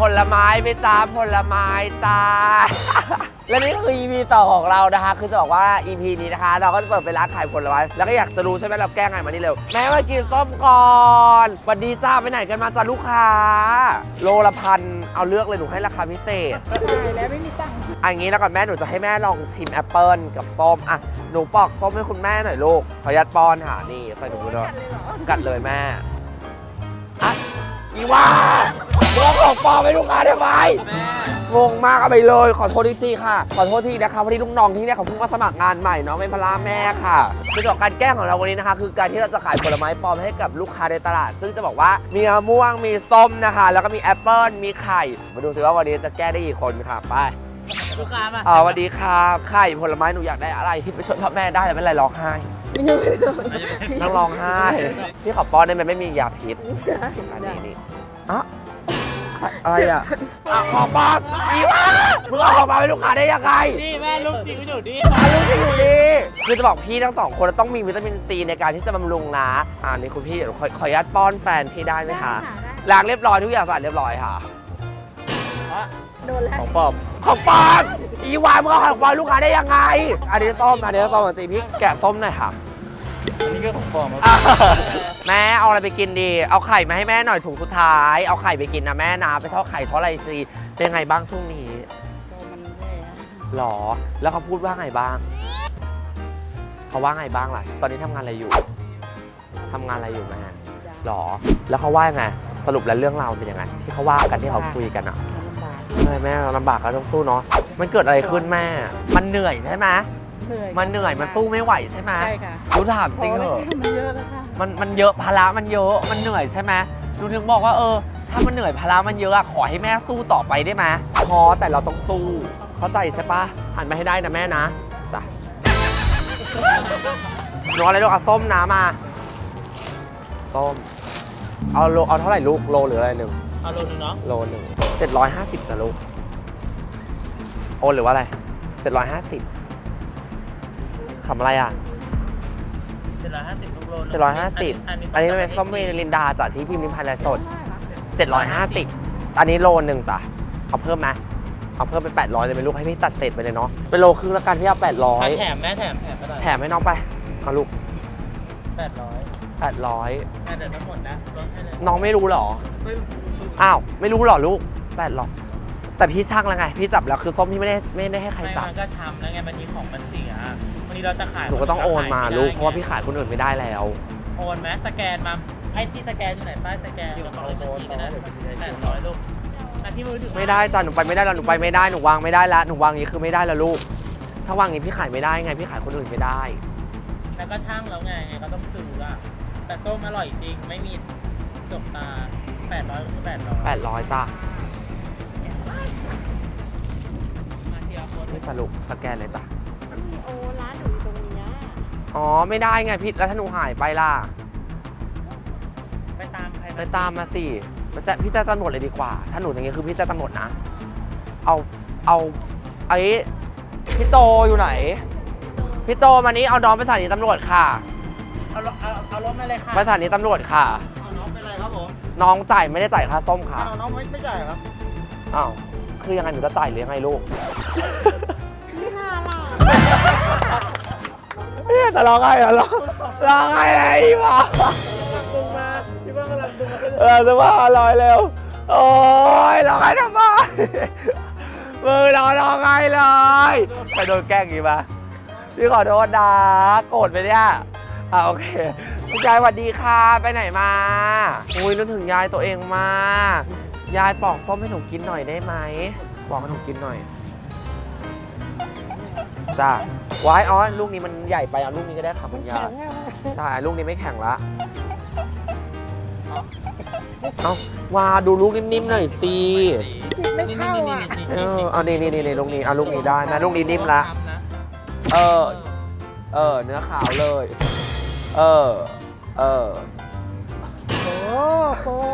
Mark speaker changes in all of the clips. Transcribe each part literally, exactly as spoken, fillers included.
Speaker 1: ผลไม้ไปจ้าผลไม้จ้า และนี่คือ อี พี ต่อของเรานะคะคือจะบอกว่า อี พี นี้นะคะเราก็จะเปิดเป็นร้านขายผลไม้แล้วก็อยากจะรู้ใช่ไหมเราแก้ไงมานี่เร็วแม่มากินส้มก่อนสวัสดีจ้าไปไหนกันมาจ้าลูกค้าโลละพันเอาเลือกเลยหนูให้ราคาพิเศษ
Speaker 2: ใช่แล้วไม่มีตังค์
Speaker 1: อันนี้แล้วก่อนแม่หนูจะให้แม่ลองชิมแอปเปิลกับส้มอ่ะหนูปอกส้มให้คุณแม่หน่อยลูกขอยัดป้อนค่ะนี่ใส่ถุงมือด้วยกัดเลยแม่อ่ะอีว่าเมื่อของปลอมไปลูกค้าได้ไหมงงมากเอาไปเลยขอโทษทีค่ะขอโทษทีนะคะพอดีลูกน้องที่เนี่ยเขาเพิ่งมาสมัครงานใหม่น้องเป็นพลาแม่ค่ะคือจากการแก้ของเราวันนี้นะคะคือการที่เราจะขายผลไม้ปลอมให้กับลูกค้าในตลาดซึ่งจะบอกว่ามีมะม่วงมีส้มนะคะแล้วก็มีแอปเปิลมีไข่มาดูสิว่าวันนี้จะแก้ได้กี่คนค่ะไป
Speaker 3: ลูกค้ามา
Speaker 1: อ๋อสวัสดีครับไข่ผลไม้หนูอยากได้อะไรที่ไปช่วยพ่อแม่ได้แต่ไม่เป็นไรร้องไห้
Speaker 2: ไม่ได้ไม่ได้
Speaker 1: นั่งร้องไห้ที่ขอป้อนได้ไหมไม่มียาพิษอันนี้นี่อ่ะอะไรอ่ะขอป้อนอีวะมึงเอาของมาให้ลูกค้าได้ยังไง
Speaker 3: นี่แม่ลูกจริงอยู่ดี
Speaker 1: ลูกจริงอยู่ดีคือจะบอกพี่ทั้งสองคนต้องมีวิตามินซีในการที่จะบำรุงนะอ่านี่คุณพี่เดี๋ยวขอขออนุญาตป้อนแฟนพี่ได้ไหมคะล้างเรียบร้อยทุกอย่างสะอาดเรียบร้อยค่ะ
Speaker 2: โดนแล้ว
Speaker 1: ของปลอมของปลอมอีวานมึงเอาของปลอมลูกค้าได้ยังไงอันนี้ส้มอันนี้ส้มจริงพี่แกะส้มหน่อยค่ะ
Speaker 3: อันนี้ก็ของปลอม
Speaker 1: แม่เอาอะไรไปกินดีเอาไข่มาให้แม่หน่อยถุงสุดท้ายเอาไข่ไปกินนะแม่นะไปทอดไข่ทอดอะไรสิเป็นไงบ้างช่วงนี้
Speaker 2: มันแย่
Speaker 1: หรอแล้วเขาพูดว่าไงบ้างเขาว่าไงบ้างล่ะตอนนี้ทำงานอะไรอยู่ทำงานอะไรอยู่แม่หรอแล้วเขาว่าไงสรุปแล้วเรื่องราวเป็นยังไงที่เขาว่ากันที่เขาคุยกันอ่ะอะไรแม่ลำบากก็ต้องสู้เนาะมันเกิดอะไรขึ้นแม่มันเหนื่อยใช่ไหมมันเหนื่อยมันสู้ไม่ไหวใช่ไหม
Speaker 2: ใช่ค่ะ
Speaker 1: รู้ถามจริงเหรอ
Speaker 2: มันเยอะแล้วค่ะ
Speaker 1: มันมันเยอะภาระมันเยอะมันเหนื่อยใช่ไหมหนูถึงบอกว่าเออถ้ามันเหนื่อยภาระมันเยอะขอให้แม่สู้ต่อไปได้ไหมพอแต่เราต้องสู้เข้าใจใช่ปะหันมาให้ได้นะแม่นะจ้ะหนูอะไรลูกเอาส้มน้ำมาส้มเอาโลเอาเท่าไหร่ลูกโลหรืออะไรหนึ่ง
Speaker 3: เอาโลนึงเนาะ
Speaker 1: โลหนึ่งเจ็ดร้อยห้าสิบจ้ะลูกโอนหรือว่าอะไรเจ็ดร้อยห้าสิบคำอะไรอ่ะ
Speaker 3: เจ็ดร้อยห้าสิบทุกโล
Speaker 1: เจ็ดร้อยห้าสิบอันนี้เป็นส้มเวลินดาจากที่พิมพ์ริมพันธ์สดเจ็ดร้อยห้าสิบอันนี้โลหนึ่งจ้ะเอาเพิ่มไหมเอาเพิ่มเป็นแปดร้อยเลยเป็นลูกให้พี่ตัดเศษไปเลยเนาะเป็นโลครึ่งแล้วกันที่เอาแปดร้อย
Speaker 3: แถมแม่แถมแถมไปเลย
Speaker 1: แถมให้น้องไปเอาลูก
Speaker 3: แปดร้อย
Speaker 1: แปดร้อย
Speaker 3: แต่เดี๋ยวทั้งหมดนะลดให้เลย
Speaker 1: น้องไม่รู้หรออ้าวไม่รู้หรอลูกแปดร้อยแต่พี่ช่างแล้วไงพี่จับแล้วคือส้มพี่ไม่ได้ไม่ได้ให้ใครจับ
Speaker 3: มันก็ช้ำแล้วไงบางทีของมันเสียวันนี้เราจะขาย
Speaker 1: หนูก็ต้องโอนมาลูกเพราะว่าพี่ขายคนอื่นไม่ได้แล้ว
Speaker 3: โอนไหมสแกนมาไอ้ที่สแกนอยู่ไหนป้ายสแกนอยู่ของเลยบัญชีก็ได้แปดร้อยลูกที่มือถือ
Speaker 1: ไม่ได้จ้ะหนูไปไม่ได้แล้วหนูไปไม่ได้หนูวางไม่ได้แล้วหนูวางอย่างนี้คือไม่ได้แล้วลูกถ้าวางอย่างนี้พี่ขายไม่ได้ไงพี่ขายคนอื่นไม่ได้
Speaker 3: แล้วก็ช่างแล้วไงก็ต้องซื้ออะแต่ส้มอร่อยจริงไม่มีจบตาแปดร้อยก็คือแปดร้อย
Speaker 1: แปดร้อยจ้ะนี่สรุปสแกนเลยจ้ะ
Speaker 2: มันมีโอร้านหนูอยู่ตรงนี้
Speaker 1: อ๋อไม่ได้ไงพี่แล้วถ้าหนูหายไปล่ะ
Speaker 3: ไปตามใคร
Speaker 1: ไปตามมาสิมันจะพี่จะตำรวจเลยดีกว่าถ้าหนูอย่างงี้คือพี่จะตำรวจนะเอาเอาไอ้พี่โตอยู่ไหนพี่โตมานี้เอาน้องไปสถานีตำรวจค่ะ
Speaker 3: เอาเอาเอารถมาเลยค่ะ
Speaker 1: ไปสถานีตำรวจค่ะ
Speaker 3: เอาน้องไปเลยครับผม
Speaker 1: น้องจ่ายไม่ได้จ่ายค่าส้มค่ะ
Speaker 3: เอาน้องไม่ไม่จ่ายครับ
Speaker 1: อ้าวคือยังไงหนูจะจ่ายหรือยังไงลูก
Speaker 2: ไม่น่าล่ะ
Speaker 1: เนี่ยแต่ร้องไห้เหรอร้องไห้อะไรวะ
Speaker 3: ดึงมาพี่ว่ากำลังดึงมา
Speaker 1: เออจะว่าอร่อยเร็วโอ้ยร้องไห้ทำไมมือร้องร้องไห้เลยไปโดนแกล้งกี่ปะพี่ขอโทษนะโกรธไปเนี่ยอ่ะโอเคคุณยายสวัสดีค่ะไปไหนมาอุ้ยนึกถึงยายตัวเองมากยายปอกส้มให้หนูกินหน่อยได้ไหมปอกให้หนูกินหน่อยจ้าว้ายอ๋อลูกนี้มันใหญ่ไปเอาลูกนี้ก็ได้ค่ะคุณยายใช่ลูกนี้ไม่แข็งละเอาว่าดูลูกนิ่มๆหน่อยสิ
Speaker 2: ไม่เข้าอ่ะ
Speaker 1: เออเอานี่นี่นี่ลูกนี้เอาลูกนี้ได้นะลูกนี้นิ่มละเออเออเนื้อขาวเลยเออเออ
Speaker 2: โอ้โฟม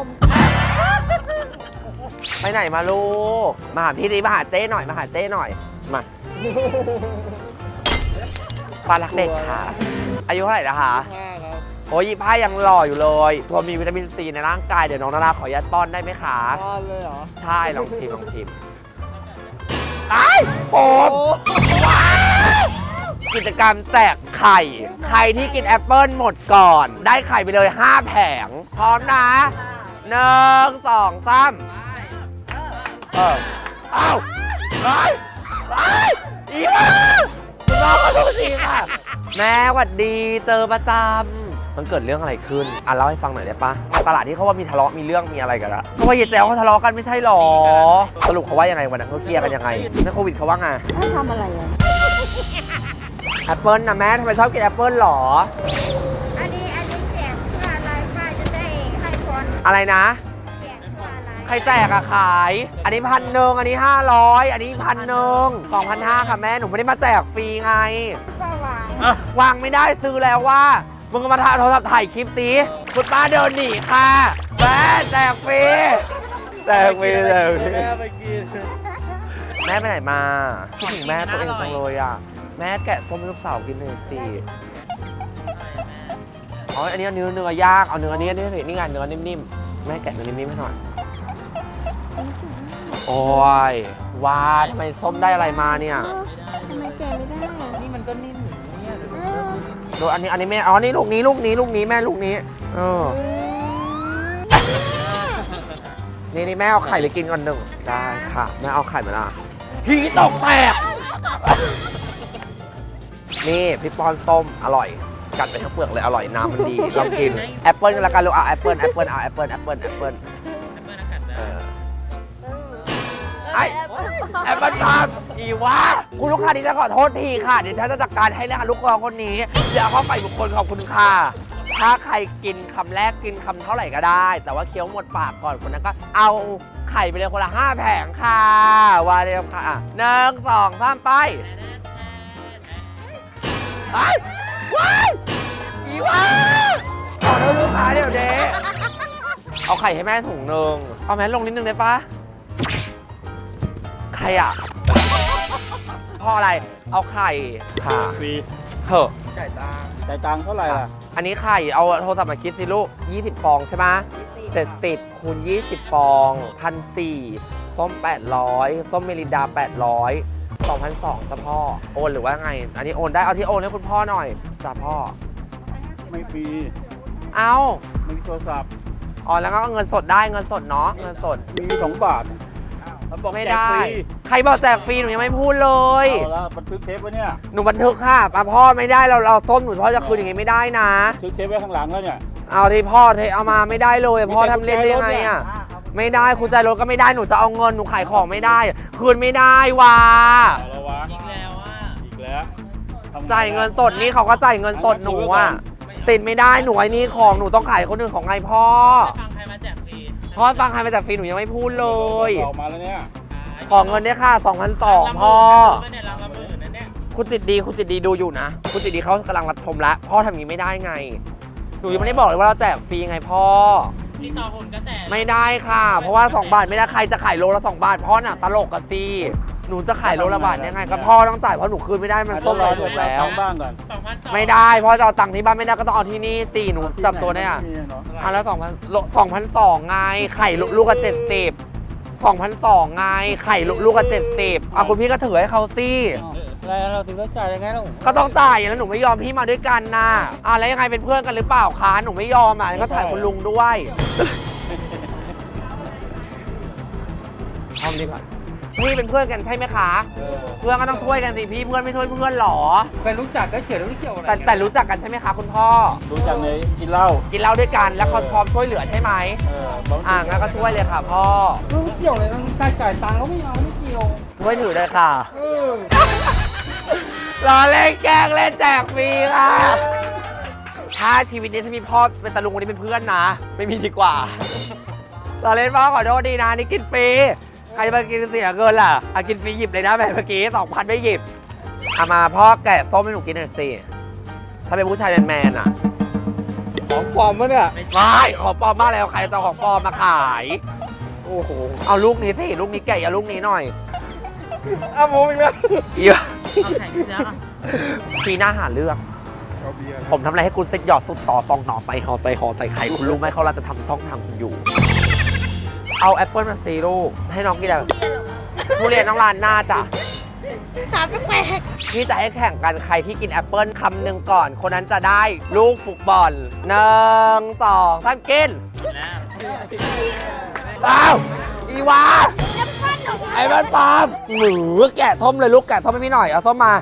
Speaker 1: ไปไหนมาลูกมาหาพี่ดีมาหาเจ้หน่อยมาหาเจ้หน่อยมาปลารักเด็กค่ะอายุเท่าไหร่นะคะ
Speaker 3: ห้าครับ
Speaker 1: โอ้ยยี่ห้ายังหล่ออยู่เลยตัวมีวิตามินซีในร่างกายเดี๋ยวน้องนาราขอยัดป้อนได้ไหมคะ
Speaker 2: ป้อนเลยเหรอ
Speaker 1: ใช่ลองชิมลองชิมไอ้โป๊บว้าวกิจกรรมแจกไข่ ใครที่กินแอปเปิลหมดก่อน ได้ไข่ไปเลยห้าแผง พร้อมนะหนึ่งสองสามเออเอ้าไอ้ไอ้อีบ้าคุณน้องขอโทษทีค่ะ แม่หวัดดีเจอประจำมันเกิดเรื่องอะไรขึ้นอ่ะเล่าให้ฟังหน่อยได้ปะมาตลาดที่เขาว่ามีทะเลาะมีเรื่องมีอะไรกันละเขาว่าเยเจลเขาทะเลาะกันไม่ใช่หรอสรุปเขาว่ายังไงวันนั้นเขาเคลียร์กันยังไงในโควิดเขาว่าไง
Speaker 2: ให้ทำอะไรอ่ะ
Speaker 1: แอปเปิลนะแม่ทำไมชอบกินแอปเปิลหรอ
Speaker 2: อันนี้อันนี้แจกเพื่ออะไรป้าจะได้ให้คน
Speaker 1: อะไรนะ
Speaker 2: แจกเพื่ออะไร
Speaker 1: ใครแจกอะขาย อันนี้พันหนึ่งอันนี้ห้าร้อยอันนี้พันหนึ่งสองพันห้าค่ะแม่หนูไม่ได้มาแจกฟรีไง
Speaker 2: ป้าวาง
Speaker 3: อ่ะ
Speaker 1: วางไม่ได้ซื้อแล้วว่ามึงก็มาถ่ายโทรศัพท์ถ่ายคลิปตีคุณป้าเดินหนีค่ะแม่แจกฟรีแจกฟรีแจกฟรี
Speaker 3: แม่ไปกิน
Speaker 1: แม่ไปไหนมาคิดถึงแม่ตัวเองจังเลยอ่ะแม่แกะส้มให้ลูกสาวกินหน่อยสิอ๋ออันนี้เอาเนื้อเนื้อย่างเอาเนื้ออันนี้อันนี้สินี่ไงเนื้อนิ่มๆแม่แกะเนื้อนิ่มๆให้หน่อยโอ้ยว้าทำไมส้มได้อะไรมาเนี่ย
Speaker 2: ทำไมแจกไม่ได้
Speaker 3: นี่มันก็นิ่มอยู่เนี่ยเดี๋ยว
Speaker 2: เออ
Speaker 1: ดูอันนี้อันนี้แม่อ๋อนี่ลูกนี้ลูกนี้ลูกนี้แม่ลูกนี้เออนี่นี่แม่เอาไข่ไปกินก่อนหนึ่งได้ค่ะแม่เอาไข่มาละพี่ตกแตกนี่พี่ปอนส้มอร่อยกัดไปทั้งเปลือกเลยอร่อยน้ำมันดีลองกินแอปเปิ้ลกันละกันลูกเอาแอปเปิ้ลแอปเปิ้ลเอาแอปเปิ้ลแอปเปิ้ลแอปเปิ้ล
Speaker 3: แอปเปิ้ลอากาศได้
Speaker 1: เออไอแอปเปิ้ลทามอีวะคุณลูกค้าดิฉันขอโทษทีค่ะเดี๋ยวฉันจะจัดการให้นะคะลูกค้าคนนี้เดี๋ยวเอาเข้าไปบุคคลขอบคุณค่ะถ้าใครกินคำแรกกินคำเท่าไหร่ก็ได้ แต่ว่าเคี้ยวหมดปากก่อนคนนั้นก็เอาไข่ไปเลยคนละห้าแผงค่ะว่าเร็วค่ะอ่ะหนึ่งสองสามไปไอ้ว้ายอีวะขอโทษลูกค้าเดี๋ยวเด้เอาไข่ให้แม่ถุงหนึ่งเอาแม่ลงนิดนึงได้ปะใครอ่ะพ่ออะไรเอาไข่ค่ะ
Speaker 4: ฟรี
Speaker 1: เถอะ
Speaker 4: จ่ายตังค์จ่ายตังค์เท่าไหร่ล่ะ
Speaker 1: อันนี้ไข่เอาโทรศัพท์มาคิดสิลูกยี่สิบฟองใช่ไหมเจ็ดสิบคูณยี่สิบฟองพันสี่ส้มแปดร้อยส้มเมลินดาแปดร้อยสองพันสองจ้ะพ่อโอนหรือว่าไง อันนี้โอนได้เอาที่โอนให้คุณพ่อหน่อยจ้ะพ่อ
Speaker 4: ไม่ฟรี
Speaker 1: เอา
Speaker 4: ไม่มีโทรศัพท์
Speaker 1: อ๋อแล้วก็เงินสดได้เงินสดเนาะเงินสด
Speaker 4: มีสองบาทมันบอก
Speaker 1: ไม่
Speaker 4: แจก
Speaker 1: ได้
Speaker 4: ฟรี
Speaker 1: ใครบอกแจกฟรีหนูยังไม่พูดเลย
Speaker 4: เอาละบันทึกเทปไว้เนี่ย
Speaker 1: หนูบันทึกค่ะอ่ะพ่อไม่ได้เราเราต้มหนูพ่อจะคืนอย่างงี้ไม่ได้นะ
Speaker 4: บันทึกเทปไว้ข้างหลังแล้วเนี่ย
Speaker 1: เอาที่พ่อเทเอามาไม่ได้เลยพ่อทำเล่นได้ยังไงอ่ะไม่ได้คุณใจรถก็ไม่ได้หนูจะเอาเงินหนูขายของไม่ได้ คืนไม่ได้ว่ะ
Speaker 4: เอาละวะ
Speaker 3: อีกแล้วอ่ะ
Speaker 4: อีกแล้วทำไ
Speaker 1: จ่ายเงินสดนี่เขาก็จ่ายเงินสดหนูอ่ะติดไม่ได้หนูไอ้นี่ของหนูต้องขายคนอื่นของไงพ่อ
Speaker 3: ฟังใครมาแจกฟรี
Speaker 1: พ่อฟังใครมาจากฟรีหนูยังไม่พูดเลย
Speaker 4: ออกมาแล้วเนี่ย
Speaker 1: ขอเงินเนี่ยค่ะสองพันสองพ่อ
Speaker 3: เนี่ยรังละหมื่นนะเนี่ย
Speaker 1: คุณจิตดีคุณจิตดีดูอยู่นะคุณจิตดีเขากำลังรับชมแล้วพ่อทำอย่างนี้ไม่ได้ไงหนูยังไม่ได้บอกเลยว่าเราแจกฟรีไงพ่อ
Speaker 3: ที่ต่อหุ่นกระแส
Speaker 1: ไม่ได้ค่ะ เพราะว่าสองบาทไม่ได้ใครจะขายโลละสองบาทพ่อน่ะตลกกันสิหนูจะขายโลละบาทยังไงก็พ่อต้องจ่ายเพราะหนูคืนไม่ได้มันส้ม
Speaker 4: ร
Speaker 1: เล
Speaker 4: อย
Speaker 1: ถู
Speaker 4: ถู
Speaker 1: ก
Speaker 4: กแล้
Speaker 1: แล้ว ว
Speaker 4: บ้างก่อน
Speaker 3: สองพันสอง
Speaker 1: ไม่ได้พ่อจะเอาตังค์ที่บ้านไม่ได้ก็ต้องเอาที่นี่สิหนูจับตัวได้อ่ะ
Speaker 4: มีเนาะ
Speaker 1: อ่ะแล้วสองพันสองพันสองไงไข่ลูกละเจ็ดสิบสองพันสองไงไข่ลูกละเจ็ดสิบอ่ะคุณพี่ก็ถือให้เขาสิ
Speaker 4: แล้วเราถึงต้องจ่ายยังไงลูก
Speaker 1: ก็ต้องจ่ายแล้วหนูไม่ยอมพี่มาด้วยกันนะอ่ะแล้วยังไงเป็นเพื่อนกันหรือเปล่าคะหนูไม่ยอมอ่ะก็ถ่ายคุณลุงด้วยเอาดีกว่าพี่เป็นเพื่อนกันใช่ไหมคะ
Speaker 4: เออ
Speaker 1: เพื่อนก็ต้องช่วยกันสิพี่เพื่อนไม่ช่วยเพื่อนหรอ
Speaker 4: เคยรู้จักก็เขียนรู้เกี่ยวอะไร
Speaker 1: แต่แต่รู้จักกันใช่ไหมคะคุณพ่อ
Speaker 4: รู้จักในกินเหล้า
Speaker 1: กินเหล้าด้วยกันแล้วเขาพร้อมช่วยเหลือใช่ไหม
Speaker 4: เออบอก
Speaker 1: อ่างั้นก็ช่วยเลยค่ะพ่อ
Speaker 4: ไม่เกี่ยวเลยต้องจ่ายจ่ายตังค์แล้วไม่เอาไม่เกี่ยว
Speaker 1: ช่วยถือเลยค่ะ
Speaker 4: เออ
Speaker 1: รอเล่นแกล้งเล่นแจกฟรีค่ะถ้าชีวิตนี้ถ้ามีพ่อเป็นตาลุงคนนี้เป็นเพื่อนนะ ไม่มีดีกว่า รอเล่นพ่อขอโทษดีนะนี่กินฟรีใครจะมากินเสียเงินล่ะอ่ะกินฟรีหยิบเลยนะแบบเมื่อกี้สองพันไม่หยิบเอามาพ่อแกะส้มให้หนูกินหน่อยสิถ้าเป็นผู้ชายแมนๆอ่ะ
Speaker 4: ของปลอมมะเนี่ย
Speaker 1: ไม่ของปลอมมากแล้วใครจะเอาของปลอมมาขาย
Speaker 4: โอ้โห
Speaker 1: เอาลูกนี้สิลูกนี้แกะเอาลูกนี้หน่อย
Speaker 4: อ้าวผมอีกแล้ว
Speaker 1: เยอะ
Speaker 3: เอาแข่งที่แล้วอ่ะ
Speaker 1: ทีหน้าหาเรื่อง
Speaker 4: โอ้เอาเบียร์
Speaker 1: ผมทำอะไรให้คุณเซ็ตหยอดสุดต่อซองหน่อใส่ห่อใส่ห่อใส่ไข่คุณรู้ไหมเขาเราจะทำช่องทางคุณอยู่ เอาแอปเปิลมาซีลูกให้น้องกินอะไรทุเรียนน้องลานหน้าจ้ะ
Speaker 2: สามแปลก
Speaker 1: พี่จะให้แข่งกันใครที่กินแอปเปิลคำหนึ่งก่อน คนนั้นจะได้ลูกฟุตบอลหนึ่งสองสามกิน
Speaker 3: นะ
Speaker 1: อ้าวอีวาไอ้บ้านปาล์มหมือแกะส้มเลยลูกแกะส้มให้พี่หน่อยเอาส้มมา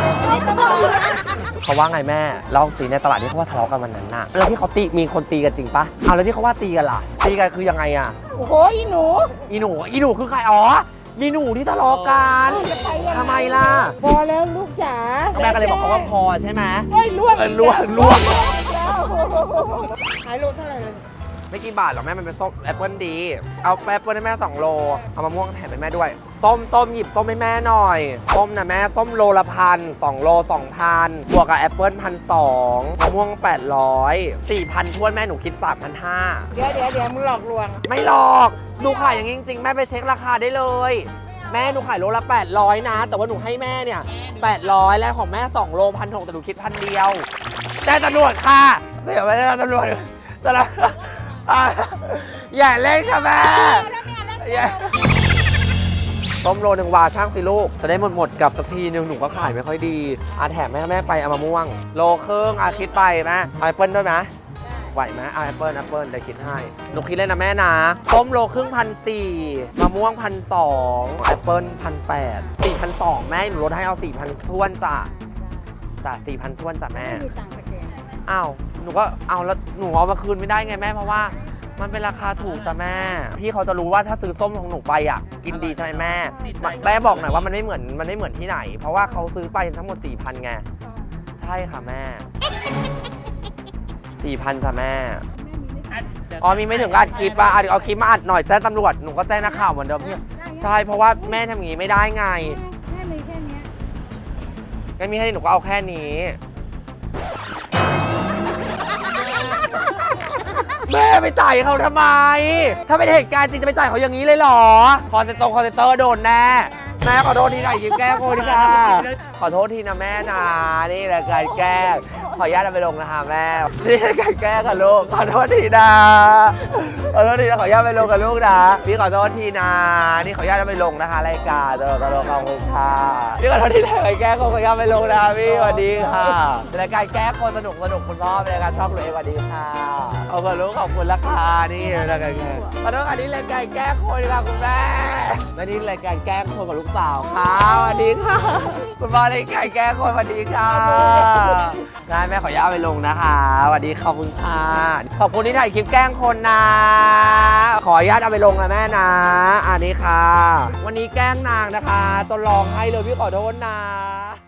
Speaker 1: เขาว่าไงแม่เล่าสิในตลาดที่เขาว่าทะเลาะกันวันนั้นน่ะแล้วที่เขาตีมีคนตีกันจริงปะเอาแล้วที่เขาว่าตีกันล่ะตีกันคือยังไงอะ
Speaker 2: โอ้โหอีหนู
Speaker 1: อีหนูอีหนูคือใครอ๋ออีหนูที่ทะเลาะกันทำไมล่ะ
Speaker 2: พอแล้วลูกจ๋า
Speaker 1: แม่ก็เลยบอกเขาว่าพอใช่ไหม
Speaker 2: เฮ้ยล่วง
Speaker 1: เออล่วงล่วง
Speaker 2: แล้วขายโลเท่าไหร่เลย
Speaker 1: ไม่กี่บาทหรอกแม่มันเป็นส้มแอปเปิลดีเอาแอปเปิลให้แม่สองโลเอามะม่วงแถมให้แม่ด้วยส้มส้มหยิบส้มให้แม่หน่อยส้มนะแม่ส้มโลละพันสองโลสองพันบวกกับแอปเปิลพันสองมะม่วงแปดร้อยสี่พันทวนแม่หนูคิดสามพันห้า
Speaker 2: เดี๋ยวเดี๋ยวเดี๋ยวมึงหลอกลวง
Speaker 1: ไม่หรอกหนูขายอย่างนี้จริงๆ แม่ไปเช็คราคาได้เลย แม่หนูขายโลละแปดร้อยนะ แต่ว่าหนูให้แม่เนี่ยแปดร้อยแล้วของแม่สองโลพันหกแต่หนูคิดพันเดียวแต่ตำรวจค่ะเดี๋ยวไม่ได้ตำรวจตำรวจอ่ะอย่าเล่นค่ะแม่อย่าต้มโลหนึ่งวาช่างสิลูกจะได้หมดหมดๆกับสักทีนึงหนูก็ขายไม่ค่อยดีอาแถมแม่แม่ไปเอามะม่วงโลครึ่งอาคิดไปแม่เอาแอปเปิ้ลด้วยไหมไหวไหมเอาแอปเปิ้ลแอปเปิ้ลเดี๋ยวคิดให้หนูคิดเลยนะแม่นะต้มโลครึ่งพันสี่มะม่วงพันสองแอปเปิ้ลพันแปดสี่พันสองแม่หนูลดให้เอาสี่พันท้วนจ้ะจ้ะสี่พันท้วนจ้ะแม่
Speaker 2: มีตังค์สแกน
Speaker 1: อ้าวหนูก็เอาแล้วหนูเอามาคืนไม่ได้ไงแม่เพราะว่ามันเป็นราคาถูกจ้ะแม่ พี่เขาจะรู้ว่าถ้าซื้อส้มของหนูไปอ่ะกินดีใช่ไหมแม่แม่บอกหน่อยว่ามันไม่เหมือนมันไม่เหมือนที่ไหน เพราะว่าเขาซื้อไปทั้งหมด สี่พัน ไงใช่ค่ะแม่ สี่พัน จ้ะแม่อ๋อมีไม่ถึงอัดคลิปป่ะอ่ะเดี๋ยวเอาคลิปมาอัดหน่อยแจ้งตำรวจหนูก็แจ้งนักข่าวเหมือนเดิมพี่ใช่เพราะว่าแม่ทำอย่างนี้ไม่ได้ไง
Speaker 2: แม่มีแค่เนี้ย
Speaker 1: แม่มีแค่นี้หนูก็เอาแค่นี้แม่ไปจ่ายเขาทำไม ถ้าเป็นเหตุการณ์จริงจะไปจ่ายเขาอย่างนี้เลยเหรอ คอนเซนตรงคอนเซนเตอร์โดนแน่ แม่ขอโทษทีนะยิ้มแก้โคดีค่ะ ขอโทษทีนะแม่นะนี่แหละการแกล้งขออนุญาตเอาไปลงนะคะแม่ นี่คือการแกล้งค่ะลูก ขอโทษทีนะ ขอโทษทีนะขออนุญาตไปลงกับลูกนะ พี่ขอโทษทีนะ นี่ขออนุญาตเอาไปลงนะคะรายการตลกตลกขอบคุณค่ะพี่ขอโทษทีนะการแกล้งขออนุญาตไปลงนะพี่สวัสดีค่ะเป็นรายการแกล้งคนสนุกสนุกคุณพ่อเป็นรายการช่องหนูเองสวัสดีค่ะเอาขอบคุณขอบคุณราคานี่รายการแกล้งขอโทษอันนี้รายการแกล้งคนค่ะคุณแม่และนี่รายการแกล้งคนกับลูกสาวค่ะสวัสดีค่ะคุณพ่อรายการแกล้งคนสวัสดีค่ะได้แม่ขออนุญาตไปลงนะคะสวัสดีขอบคุณค่ะขอบคุณที่ถ่ายคลิปแกล้งคนนะขออนุญาตเอาไปลงนะแม่นะอันนี้ค่ะ วันนี้แกล้งนางนะคะจนร้องไห้เลยพี่ขอโทษนะ